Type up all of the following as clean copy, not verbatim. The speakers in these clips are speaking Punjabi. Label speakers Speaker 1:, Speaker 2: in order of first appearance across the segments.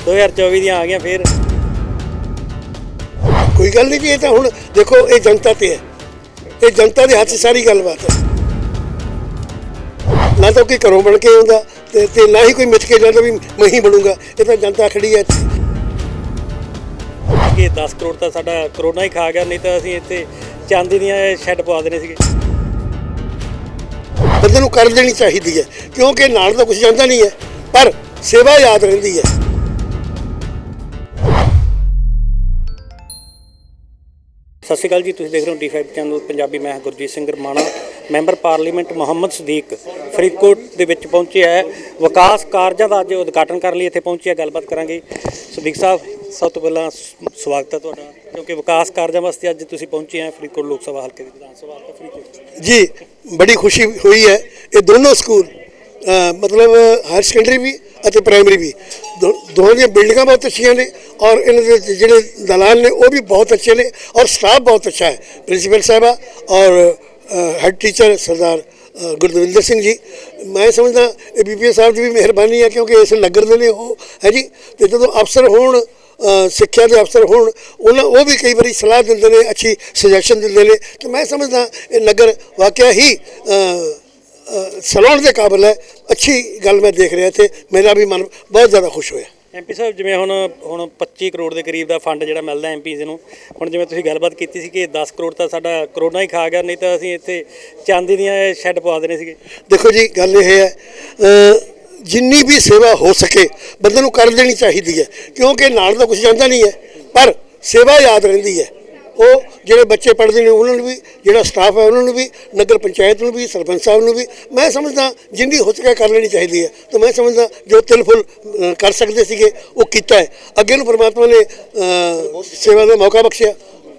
Speaker 1: 2024 ਦੀਆਂ ਆ ਗਈਆਂ ਫਿਰ।
Speaker 2: ਕੋਈ ਗੱਲ नहीं जी, ये तो हुण देखो ये जनता ते है, ये जनता के हाथ सारी गलबात है। ना तो कोई घरों बन के आउंदा ते ना ही कोई मिथ के जाता भी मैं ही बनूंगा। ये तो जनता खड़ी है इत्थे
Speaker 1: कि 10 करोड़ ਤਾਂ ਸਾਡਾ ਕਰੋਨਾ ਹੀ ਖਾ ਗਿਆ, ਨਹੀਂ ਤਾਂ ਅਸੀਂ ਇੱਥੇ ਚਾਂਦੀ ਦੀਆਂ ਸ਼ੈੱਡ ਪਵਾ ਦੇਣੇ ਸੀਗੇ।
Speaker 2: ਬੰਦੇ ਨੂੰ ਕਰ ਦੇਣੀ ਚਾਹੀਦੀ ਹੈ, ਕਿਉਂਕਿ ਨਾਲ ਤਾਂ ਕੁਝ ਜਾਂਦਾ ਨਹੀਂ ਹੈ, ਪਰ ਸੇਵਾ ਯਾਦ ਰਹਿੰਦੀ ਹੈ।
Speaker 1: ਸਤਿ ਸ਼੍ਰੀ ਅਕਾਲ ਜੀ, ਤੁਸੀਂ ਦੇਖ ਰਹੇ ਹੋ D5 ਚੈਨਲ ਪੰਜਾਬੀ। ਮੈਂ ਗੁਰਜੀਤ ਸਿੰਘ ਰਮਾਣਾ। ਮੈਂਬਰ ਪਾਰਲੀਮੈਂਟ ਮੁਹੰਮਦ ਸਦੀਕ ਫਰੀਦਕੋਟ ਦੇ ਵਿੱਚ ਪਹੁੰਚਿਆ ਹੈ। ਵਿਕਾਸ ਕਾਰਜਾਂ ਦਾ ਅੱਜ ਉਦਘਾਟਨ ਕਰਨ ਲਈ ਇੱਥੇ ਪਹੁੰਚਿਆ। ਗੱਲਬਾਤ ਕਰਾਂਗੇ। ਸਦੀਕ ਸਾਹਿਬ, ਸਭ ਤੋਂ ਪਹਿਲਾਂ ਸਵਾਗਤ ਹੈ ਤੁਹਾਡਾ, ਕਿਉਂਕਿ ਵਿਕਾਸ ਕਾਰਜਾਂ ਵਾਸਤੇ ਅੱਜ ਤੁਸੀਂ ਪਹੁੰਚੇ ਹੈ ਫਰੀਦਕੋਟ ਲੋਕ ਸਭਾ ਹਲਕੇ ਦੀ ਵਿਧਾਨ ਸਭਾ ਹਲਕਾ ਫਰੀਦਕੋਟ।
Speaker 2: जी, बड़ी खुशी हुई है। ये दोनों स्कूल मतलब हायर सेकेंडरी भी ਅਤੇ ਪ੍ਰਾਇਮਰੀ ਵੀ ਦੋਹਾਂ ਦੀਆਂ ਬਿਲਡਿੰਗਾਂ ਬਹੁਤ ਅੱਛੀਆਂ ਨੇ, ਔਰ ਇਹਨਾਂ ਦੇ ਜਿਹੜੇ ਦਲਾਲ ਨੇ ਉਹ ਵੀ ਬਹੁਤ ਅੱਛੇ ਨੇ, ਔਰ ਸਟਾਫ ਬਹੁਤ ਅੱਛਾ ਹੈ। ਪ੍ਰਿੰਸੀਪਲ ਸਾਹਿਬਾ ਔਰ ਹੈਡ ਟੀਚਰ ਸਰਦਾਰ ਗੁਰਦਵਿੰਦਰ ਸਿੰਘ ਜੀ, ਮੈਂ ਸਮਝਦਾ ਇਹ BPO ਸਾਹਿਬ ਦੀ ਵੀ ਮਿਹਰਬਾਨੀ ਹੈ, ਕਿਉਂਕਿ ਇਸ ਨਗਰ ਦੇ ਨੇ ਉਹ ਹੈ ਜੀ। ਅਤੇ ਜਦੋਂ ਅਫਸਰ ਹੋਣ, ਸਿੱਖਿਆ ਦੇ ਅਫਸਰ ਹੋਣ, ਉਹ ਵੀ ਕਈ ਵਾਰੀ ਸਲਾਹ ਦਿੰਦੇ ਨੇ, ਅੱਛੀ ਸੁਜੈਸ਼ਨ ਦਿੰਦੇ ਨੇ, ਅਤੇ ਮੈਂ ਸਮਝਦਾ ਇਹ ਨਗਰ ਵਾਕਿਆ ਹੀ ਸਲਾਉਣ ਦੇ ਕਾਬਲ ਹੈ। ਅੱਛੀ ਗੱਲ ਮੈਂ ਦੇਖ ਰਿਹਾ ਇੱਥੇ, ਮੇਰਾ ਵੀ ਮਨ ਬਹੁਤ ਜ਼ਿਆਦਾ ਖੁਸ਼ ਹੋਇਆ।
Speaker 1: MP ਸਾਹਿਬ, ਜਿਵੇਂ ਹੁਣ 25 ਕਰੋੜ ਦੇ ਕਰੀਬ ਦਾ ਫੰਡ ਜਿਹੜਾ ਮਿਲਦਾ MPs ਨੂੰ, ਹੁਣ ਜਿਵੇਂ ਤੁਸੀਂ ਗੱਲਬਾਤ ਕੀਤੀ ਸੀ ਕਿ 10 ਕਰੋੜ ਤਾਂ ਸਾਡਾ ਕਰੋਨਾ ਹੀ ਖਾ ਗਿਆ, ਨਹੀਂ ਤਾਂ ਅਸੀਂ ਇੱਥੇ ਚਾਂਦੀ ਦੀਆਂ ਸ਼ੈੱਡ ਪਵਾ ਦੇਣੇ ਸੀਗੇ।
Speaker 2: ਦੇਖੋ ਜੀ, ਗੱਲ ਇਹ ਹੈ, ਜਿੰਨੀ ਵੀ ਸੇਵਾ ਹੋ ਸਕੇ ਬੰਦੇ ਨੂੰ ਕਰ ਦੇਣੀ ਚਾਹੀਦੀ ਹੈ, ਕਿਉਂਕਿ ਨਾਲ ਤਾਂ ਕੁਝ ਜਾਂਦਾ ਨਹੀਂ ਹੈ, ਪਰ ਸੇਵਾ ਯਾਦ ਰਹਿੰਦੀ ਹੈ। ਉਹ ਜਿਹੜੇ ਬੱਚੇ ਪੜ੍ਹਦੇ ਨੇ ਉਹਨਾਂ ਨੂੰ ਵੀ, ਜਿਹੜਾ ਸਟਾਫ ਹੈ ਉਹਨਾਂ ਨੂੰ ਵੀ, ਨਗਰ ਪੰਚਾਇਤ ਨੂੰ ਵੀ, ਸਰਪੰਚ ਸਾਹਿਬ ਨੂੰ ਵੀ, ਮੈਂ ਸਮਝਦਾ ਜਿੰਨੀ ਹੋ ਸਕੇ ਕਰ ਲੈਣੀ ਚਾਹੀਦੀ ਹੈ। ਤਾਂ ਮੈਂ ਸਮਝਦਾ ਜੋ ਤਿਲ ਫੁੱਲ ਕਰ ਸਕਦੇ ਸੀਗੇ ਉਹ ਕੀਤਾ ਹੈ। ਅੱਗੇ ਨੂੰ ਪਰਮਾਤਮਾ ਨੇ ਸੇਵਾ ਦਾ ਮੌਕਾ ਬਖਸ਼ਿਆ।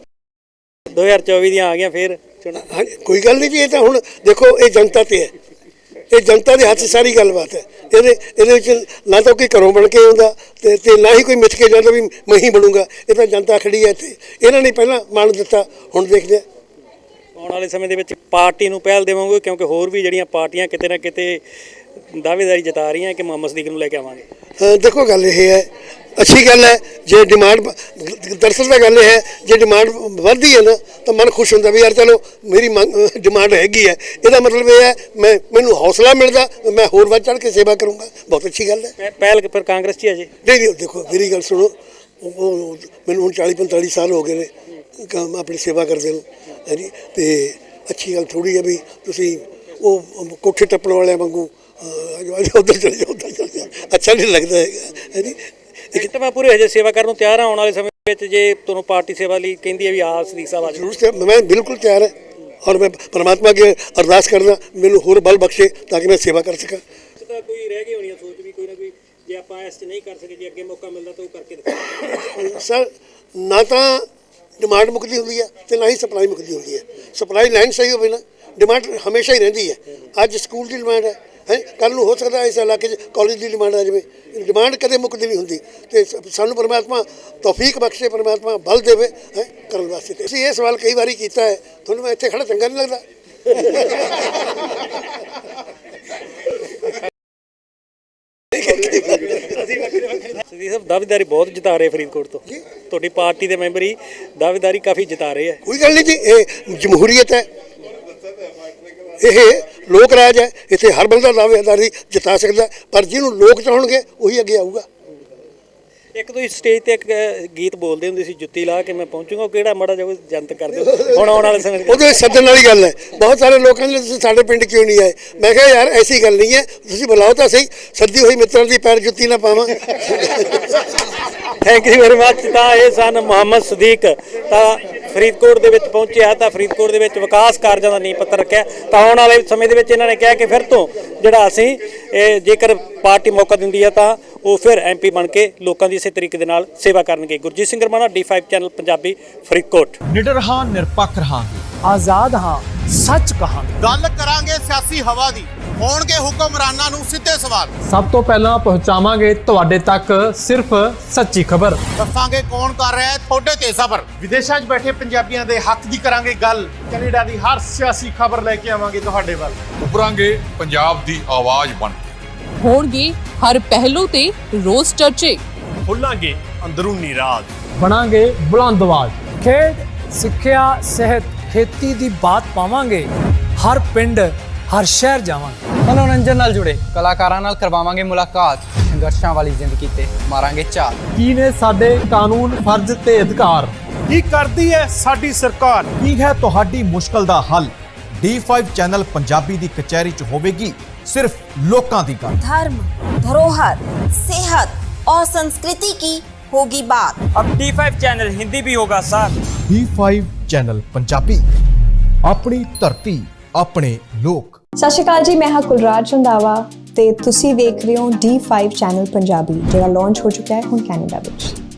Speaker 1: 2024 ਦੀਆਂ ਆ ਗਈਆਂ ਫਿਰ ਚੋਣਾਂ।
Speaker 2: ਹਾਂਜੀ, ਕੋਈ ਗੱਲ ਨਹੀਂ ਜੀ, ਇਹ ਤਾਂ ਹੁਣ ਦੇਖੋ ਇਹ ਜਨਤਾ ਤੇ ਹੈ, ਇਹ ਜਨਤਾ ਦੇ ਹੱਥ ਸਾਰੀ ਗੱਲਬਾਤ ਹੈ। ਇਹਦੇ ਵਿੱਚ ਨਾ ਤਾਂ ਕੋਈ ਘਰੋਂ ਬਣ ਕੇ ਆਉਂਦਾ ਤੇ ਨਾ ਹੀ ਕੋਈ ਮਿਥ ਕੇ ਜਾਂਦਾ ਵੀ ਮੈਂ ਹੀ ਬਣੂੰਗਾ। ਇਹ ਤਾਂ ਜਨਤਾ ਖੜੀ ਹੈ ਇੱਥੇ, ਇਹਨਾਂ ਨੇ ਪਹਿਲਾਂ ਮਾਣ ਦਿੱਤਾ, ਹੁਣ ਦੇਖਦੇ ਹਾਂ
Speaker 1: ਆਉਣ ਵਾਲੇ ਸਮੇਂ ਦੇ ਵਿੱਚ ਪਾਰਟੀ ਨੂੰ ਪਹਿਲ ਦੇਵਾਂਗੇ, ਕਿਉਂਕਿ ਹੋਰ ਵੀ ਜਿਹੜੀਆਂ ਪਾਰਟੀਆਂ ਕਿਤੇ ਨਾ ਕਿਤੇ ਦਾਅਵੇਦਾਰੀ ਜਤਾ ਰਹੀਆਂ ਕਿ ਮੁਹੰਮਦ ਸਦੀਕ ਨੂੰ ਲੈ ਕੇ ਆਵਾਂਗੇ।
Speaker 2: ਦੇਖੋ ਗੱਲ ਇਹ ਹੈ, ਅੱਛੀ ਗੱਲ ਹੈ ਜੇ ਡਿਮਾਂਡ, ਦਰਅਸਲ ਤਾਂ ਗੱਲ ਇਹ ਹੈ ਜੇ ਡਿਮਾਂਡ ਵੱਧਦੀ ਹੈ ਨਾ ਤਾਂ ਮਨ ਖੁਸ਼ ਹੁੰਦਾ ਵੀ ਯਾਰ ਚਲੋ ਮੇਰੀ ਡਿਮਾਂਡ ਹੈਗੀ ਹੈ। ਇਹਦਾ ਮਤਲਬ ਇਹ ਹੈ ਮੈਨੂੰ ਹੌਸਲਾ ਮਿਲਦਾ, ਮੈਂ ਹੋਰ ਵੱਧ ਚੜ੍ਹ ਕੇ ਸੇਵਾ ਕਰੂੰਗਾ। ਬਹੁਤ ਅੱਛੀ ਗੱਲ ਹੈ।
Speaker 1: ਪਹਿਲ ਫਿਰ ਕਾਂਗਰਸ 'ਚ ਹੈ ਜੀ?
Speaker 2: ਨਹੀਂ, ਦੇਖੋ ਮੇਰੀ ਗੱਲ ਸੁਣੋ, ਮੈਨੂੰ ਹੁਣ 40-45 ਸਾਲ ਹੋ ਗਏ ਨੇ ਆਪਣੀ ਸੇਵਾ ਕਰਦੇ ਨੂੰ, ਹੈ ਜੀ। ਅਤੇ ਅੱਛੀ ਗੱਲ ਥੋੜ੍ਹੀ ਹੈ ਵੀ ਤੁਸੀਂ ਉਹ ਕੋਠੇ ਟੱਪਣ ਵਾਲਿਆਂ ਵਾਂਗੂ ਉੱਧਰ ਚਲੇ ਜਾਓ, ਉੱਧਰ ਚਲੇ ਜਾਓ, ਅੱਛਾ ਨਹੀਂ ਲੱਗਦਾ ਹੈਗਾ, ਹੈ ਜੀ।
Speaker 1: ਇੱਕ ਤਾਂ ਮੈਂ ਪੂਰੇ ਹਜੇ ਸੇਵਾ ਕਰਨ ਨੂੰ ਤਿਆਰ ਹਾਂ ਆਉਣ ਵਾਲੇ ਸਮੇਂ ਵਿੱਚ, ਜੇ ਤੁਹਾਨੂੰ ਪਾਰਟੀ ਸੇਵਾ ਲਈ ਕਹਿੰਦੀ ਹੈ ਵੀ ਆ ਸਦੀਕ ਸਾਹਿਬ ਆ
Speaker 2: ਜ਼ਰੂਰ, ਮੈਂ ਬਿਲਕੁਲ ਤਿਆਰ ਹੈ, ਔਰ ਮੈਂ ਪਰਮਾਤਮਾ ਅੱਗੇ ਅਰਦਾਸ ਕਰਦਾ ਮੈਨੂੰ ਹੋਰ ਬਲ ਬਖਸ਼ੇ ਤਾਂ ਕਿ ਮੈਂ ਸੇਵਾ ਕਰ ਸਕਾਂ।
Speaker 1: ਤਾਂ ਕੋਈ ਰਹਿ ਗਈ ਹੋਣੀ ਸੋਚ ਵੀ ਕੋਈ ਨਾ ਕੋਈ, ਜੇ ਆਪਾਂ ਇਸ 'ਚ ਨਹੀਂ ਕਰ ਸਕੇ, ਜੇ ਅੱਗੇ ਮੌਕਾ ਮਿਲਦਾ ਤਾਂ ਉਹ ਕਰਕੇ ਦਿਖਾਓ।
Speaker 2: ਸਰ, ਨਾ ਤਾਂ ਡਿਮਾਂਡ ਮੁੱਕਦੀ ਹੁੰਦੀ ਹੈ ਅਤੇ ਨਾ ਹੀ ਸਪਲਾਈ ਮੁੱਕਦੀ ਹੁੰਦੀ ਹੈ। ਸਪਲਾਈ ਲਾਈਨ ਸਹੀ ਹੋਵੇ ਨਾ, ਡਿਮਾਂਡ ਹਮੇਸ਼ਾ ਹੀ ਰਹਿੰਦੀ ਹੈ। ਅੱਜ ਸਕੂਲ ਦੀ ਡਿਮਾਂਡ ਹੈ, ਕੱਲ੍ਹ ਨੂੰ ਹੋ ਸਕਦਾ ਇਸ ਇਲਾਕੇ 'ਚ ਕਾਲਜ ਦੀ ਡਿਮਾਂਡ ਆ ਜਾਵੇ। ਡਿਮਾਂਡ ਕਦੇ ਮੁੱਕਦੀ ਨਹੀਂ ਹੁੰਦੀ, ਅਤੇ ਸਾਨੂੰ ਪਰਮਾਤਮਾ ਤੌਫੀਕ ਬਖਸ਼ੇ, ਪਰਮਾਤਮਾ ਬਲ ਦੇਵੇ ਕਰਨ ਵਾਸਤੇ। ਤੁਸੀਂ ਇਹ ਸਵਾਲ ਕਈ ਵਾਰੀ ਕੀਤਾ ਹੈ, ਤੁਹਾਨੂੰ ਮੈਂ ਇੱਥੇ ਖੜਾ ਚੰਗਾ ਨਹੀਂ ਲੱਗਦਾ?
Speaker 1: ਸਦੀਕ ਸਾਹਿਬ, ਦਾਅਵੇਦਾਰੀ ਬਹੁਤ ਜਿਤਾ ਰਹੇ ਫਰੀਦਕੋਟ ਤੋਂ, ਤੁਹਾਡੀ ਪਾਰਟੀ ਦੇ ਮੈਂਬਰ ਹੀ ਦਾਅਵੇਦਾਰੀ ਕਾਫੀ ਜਿਤਾ ਰਹੇ ਹੈ।
Speaker 2: ਕੋਈ ਗੱਲ ਨਹੀਂ ਜੀ, ਇਹ ਜਮਹੂਰੀਅਤ ਹੈ, ਇਹ ਲੋਕ ਰਾਜ ਹੈ, ਇੱਥੇ ਹਰ ਬੰਦਾ ਦਾਅਵੇਦਾਰੀ ਜਿਤਾ ਸਕਦਾ, ਪਰ ਜਿਹਨੂੰ ਲੋਕ ਚਾਹਣਗੇ ਉਹੀ ਅੱਗੇ ਆਊਗਾ।
Speaker 1: ਇੱਕ ਤੁਸੀਂ ਸਟੇਜ ਤੇ ਇੱਕ ਗੀਤ ਬੋਲਦੇ ਹੁੰਦੇ ਸੀ, ਜੁੱਤੀ ਲਾ ਕੇ ਮੈਂ ਪਹੁੰਚੂਗਾ, ਉਹ ਕਿਹੜਾ ਮਾੜਾ ਜਿਹਾ ਜਨਤਕ ਕਰ ਦਿਓ ਹੁਣ ਆਉਣ ਵਾਲੇ ਸਮੇਂ? ਉਹਦੇ
Speaker 2: ਸੱਦਣ ਵਾਲੀ ਗੱਲ ਹੈ। ਬਹੁਤ ਸਾਰੇ ਲੋਕਾਂ ਨੇ ਤੁਸੀਂ ਸਾਡੇ ਪਿੰਡ ਕਿਉਂ ਨਹੀਂ ਆਏ? ਮੈਂ ਕਿਹਾ ਯਾਰ ਐਸੀ ਗੱਲ ਨਹੀਂ ਹੈ, ਤੁਸੀਂ ਬੁਲਾਓ ਤਾਂ ਸਹੀ, ਸੱਦੀ ਹੋਈ ਮਿੱਤਰਾਂ ਦੀ ਪੈਰ ਜੁੱਤੀ ਨਾ ਪਾਵਾਂ।
Speaker 1: Thank you very much. ਤਾਂ ਇਹ ਸਨ ਮੁਹੰਮਦ ਸਦੀਕ, ਤਾਂ ਫਰੀਦਕੋਟ ਦੇ ਵਿੱਚ ਪਹੁੰਚਿਆ, ਤਾਂ ਫਰੀਦਕੋਟ ਦੇ ਵਿੱਚ ਵਿਕਾਸ ਕਾਰਜਾਂ ਦਾ ਨੀਂਹ ਪੱਥਰ ਰੱਖਿਆ। ਤਾਂ ਆਉਣ ਵਾਲੇ ਸਮੇਂ ਦੇ ਵਿੱਚ ਇਹਨਾਂ ਨੇ ਕਿਹਾ ਕਿ ਫਿਰ ਤੋਂ ਜਿਹੜਾ ਅਸੀਂ ਜੇਕਰ ਪਾਰਟੀ ਮੌਕਾ ਦਿੰਦੀ ਹੈ ਤਾਂ ਉਹ ਫਿਰ MP ਬਣ ਕੇ ਲੋਕਾਂ ਦੀ ਇਸੇ ਤਰੀਕੇ ਦੇ ਨਾਲ ਸੇਵਾ ਕਰਨਗੇ। Gurjit Singh Ramana, D5 channel Punjabi, Faridkot.
Speaker 3: ਨਿਡਰ ਹਾਂ, ਨਿਰਪੱਖ ਰਹਾਂਗੇ,
Speaker 4: ਆਜ਼ਾਦ ਹਾਂ, ਸੱਚ ਕਹਾਂਗੇ।
Speaker 5: ਗੱਲ ਕਰਾਂਗੇ ਸਿਆਸੀ ਹਵਾ ਦੀ, ਹੋਣਗੇ ਹੁਕਮਰਾਨਾਂ ਨੂੰ ਸਿੱਧੇ ਸਵਾਲ।
Speaker 3: ਸਭ ਤੋਂ ਪਹਿਲਾਂ ਪਹੁੰਚਾਵਾਂਗੇ ਤੁਹਾਡੇ ਤੱਕ ਸਿਰਫ ਸੱਚੀ ਖਬਰ।
Speaker 5: ਦੱਸਾਂਗੇ ਕੌਣ ਕਰ ਰਿਹਾ ਹੈ ਤੁਹਾਡੇ ਤੇ ਸਬਰ।
Speaker 6: ਵਿਦੇਸ਼ਾਂ 'ਚ ਬੈਠੇ ਪੰਜਾਬੀਆਂ ਦੇ ਹੱਕ ਦੀ ਕਰਾਂਗੇ ਗੱਲ। ਕੈਨੇਡਾ ਦੀ ਹਰ ਸਿਆਸੀ ਖਬਰ ਲੈ ਕੇ ਆਵਾਂਗੇ ਤੁਹਾਡੇ ਵੱਲ।
Speaker 7: ਉੱਭਰਾਂਗੇ ਪੰਜਾਬ ਦੀ ਆਵਾਜ਼ ਬਣ ਕੇ।
Speaker 8: ਹੋਣਗੇ ਹਰ ਪਹਿਲੂ ਤੇ ਰੋਜ਼ ਚਰਚੇ।
Speaker 6: ਖੋਲਾਂਗੇ ਅੰਦਰੂਨੀ ਰਾਜ।
Speaker 3: ਬਣਾਂਗੇ ਬੁਲੰਦ ਆਵਾਜ਼।
Speaker 4: ਖੇਡ ਸਿੱਖਿਆ ਸਿਹਤ ਖੇਤੀ ਦੀ ਬਾਤ ਪਾਵਾਂਗੇ। ਹਰ ਪਿੰਡ ਹਰ ਸ਼ਹਿਰ ਜਾਵਾਂਗੇ।
Speaker 7: ਮਨੋਰੰਜਨ ਨਾਲ ਜੁੜੇ ਕਲਾਕਾਰਾਂ ਨਾਲ ਕਰਵਾਵਾਂਗੇ ਮੁਲਾਕਾਤ। ਸੰਘਰਸ਼ਾਂ ਵਾਲੀ ਜ਼ਿੰਦਗੀ ਤੇ ਮਾਰਾਂਗੇ ਝਾਤ।
Speaker 3: ਕੀ ਨੇ ਸਾਡੇ ਕਾਨੂੰਨ, ਫਰਜ਼ ਤੇ ਅਧਿਕਾਰ?
Speaker 6: ਕੀ ਕਰਦੀ ਹੈ ਸਾਡੀ ਸਰਕਾਰ? ਕੀ ਹੈ ਤੁਹਾਡੀ ਮੁਸ਼ਕਲ ਦਾ ਹੱਲ? D5 ਚੈਨਲ ਪੰਜਾਬੀ ਦੀ ਕਚਹਿਰੀ 'ਚ ਹੋਵੇਗੀ सिर्फ लोकां दी गल।
Speaker 8: धर्म, धरोहर, सेहत और संस्कृति की होगी बात।
Speaker 7: अब D5 चैनल हिंदी भी होगा सर।
Speaker 6: D5 चैनल पंजाबी, अपनी धरती अपने लोक।
Speaker 9: ਸਤਿ ਸ਼੍ਰੀ ਅਕਾਲ ਜੀ, ਮੈਂ ਹਾਂ ਕੁਲਰਾਜ ਰੰਧਾਵਾ ਤੇ ਤੁਸੀਂ ਵੇਖ ਰਹੇ ਹੋ D5 ਚੈਨਲ ਪੰਜਾਬੀ, ਜਿਹੜਾ ਲਾਂਚ ਹੋ ਚੁੱਕਾ ਹੈ ਹੁਣ ਕੈਨੇਡਾ ਵਿੱਚ।